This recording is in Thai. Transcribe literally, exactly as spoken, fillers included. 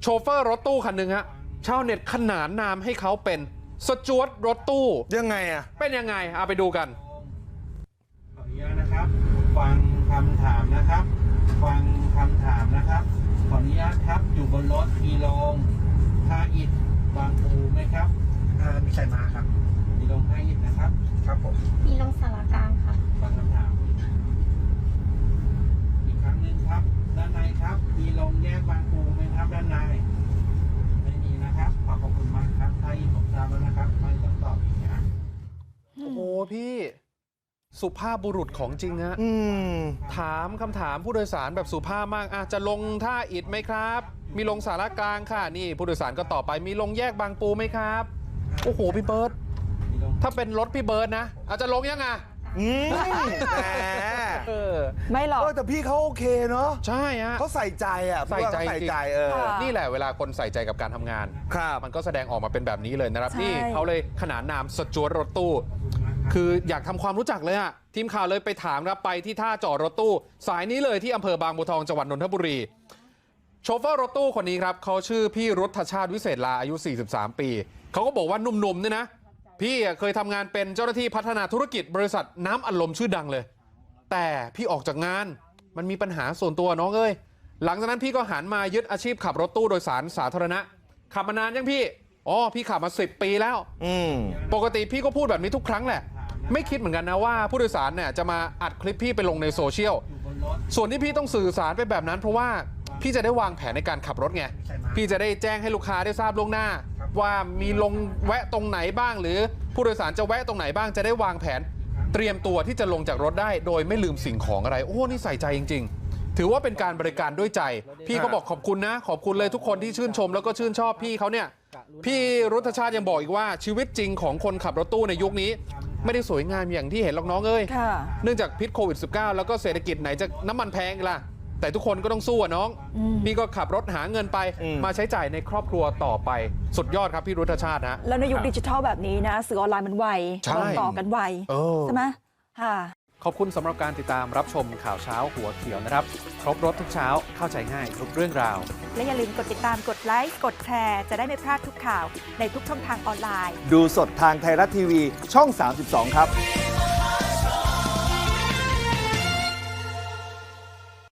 โชเฟอร์รถตู้คันหนึ่งฮะชาวเน็ตขนานนามให้เขาเป็นสจวตรถตู้ยังไงอ่ะเป็นยังไงเอาไปดูกันขออนุญาตนะครับฟังคำถามนะครับฟังคำถามนะครับขออนุญาตครับอยู่บนรถมีลงท่าอิฐบางปูไหมครับมีใครมาครับมีลงท่าอิฐนะครับครับผมมีลงสารกลางค่ะฟังคำถามอีกครั้งหนึ่งครับด้านในครับมีลงแยกบางปูไหมครับด้านในไม่มีนะครับขอขอบคุณมากครับท่าอิฐผมทราบแล้วนะครับไม่ต้องตอบอีกนะโอ้โหพี่สุภาพบุรุษของจริงฮะถามคำถามผู้โดยสารแบบสุภาพมากอาจจะลงท่าอิฐไหมครับมีลงสารกลางค่ะนี่ผู้โดยสารก็ตอบไปมีลงแยกบางปูไหมครับโอ้โหพี่เบิร์ตถ้าเป็นรถพี่เบิร์ตนะอาจจะลงยังไงอืมแหมไม่หรอกแต่พี่เขาโอเคเนาะใช่ฮะเขาใส่ใจอ่ะใส่ใจใส่ใจเออนี่แหละเวลาคนใส่ใจกับการทำงานครับมันก็แสดงออกมาเป็นแบบนี้เลยนะครับนี่เขาเลยขนานนามสจวตรถตู้คืออยากทำความรู้จักเลยอะทีมข่าวเลยไปถามครับไปที่ท่าจอดรถตู้สายนี้เลยที่อำเภอบางบัวทองจังหวัดนนทบุรีโชเฟอร์รถตู้คนนี้ครับเขาชื่อพี่รุทธชาติวิเศษลาอายุสี่สิบสามปีเขาก็บอกว่าหนุ่มๆเนี่ยนะพี่เคยทำงานเป็นเจ้าหน้าที่พัฒนาธุรกิจบริษัทน้ำอัดลมชื่อดังเลยแต่พี่ออกจากงานมันมีปัญหาส่วนตัวน้องเอ้ยหลังจากนั้นพี่ก็หันมายึดอาชีพขับรถตู้โดยสารสาธารณะขับมานานยังพี่อ๋อพี่ขับมาสิบปีแล้วปกติพี่ก็พูดแบบนี้ทุกครั้งแหละไม่คิดเหมือนกันนะว่าผู้โดยสารเนี่ยจะมาอัดคลิปพี่ไปลงในโซเชียลส่วนที่พี่ต้องสื่อสารไปแบบนั้นเพราะว่าพี่จะได้วางแผนในการขับรถไงพี่จะได้แจ้งให้ลูกค้าได้ทราบล่วงหน้าว่ามีลงแวะตรงไหนบ้างหรือผู้โดยสารจะแวะตรงไหนบ้างจะได้วางแผนเตรียมตัวที่จะลงจากรถได้โดยไม่ลืมสิ่งของอะไรโอ้นี่ใส่ใจจริงๆถือว่าเป็นการบริการด้วยใจพี่ก็บอกขอบคุณนะขอบคุณเลยทุกคนที่ชื่นชมแล้วก็ชื่นชอบพี่เขาเนี่ยพี่รุทธชาติยังบอกอีกว่าชีวิตจริงของคนขับรถตู้ในยุคนี้ไม่ได้สวยงามอย่างที่เห็นหรอกน้องเอ้ยเนื่องจากพิษโควิด สิบเก้า แล้วก็เศรษฐกิจไหนจะน้ำมันแพงล่ะแต่ทุกคนก็ต้องสู้อะน้องพี่ก็ขับรถหาเงินไปมาใช้จ่ายในครอบครัวต่อไปสุดยอดครับพี่รุทธชาตินะแล้วในยุคดิจิทัลแบบนี้นะสื่อออนไลน์มันไวต่อกันไวใช่ไหมค่ะขอบคุณสำหรับการติดตามรับชมข่าวเช้าหัวเขียวนะครับครบรถทุกเช้าเข้าใจง่ายทุกเรื่องราวและอย่าลืมกดติดตามกดไลค์กดแชร์จะได้ไม่พลาดทุกข่าวในทุกช่องทางออนไลน์ดูสดทางไทยรัฐทีวีช่องสามสิบสองครับ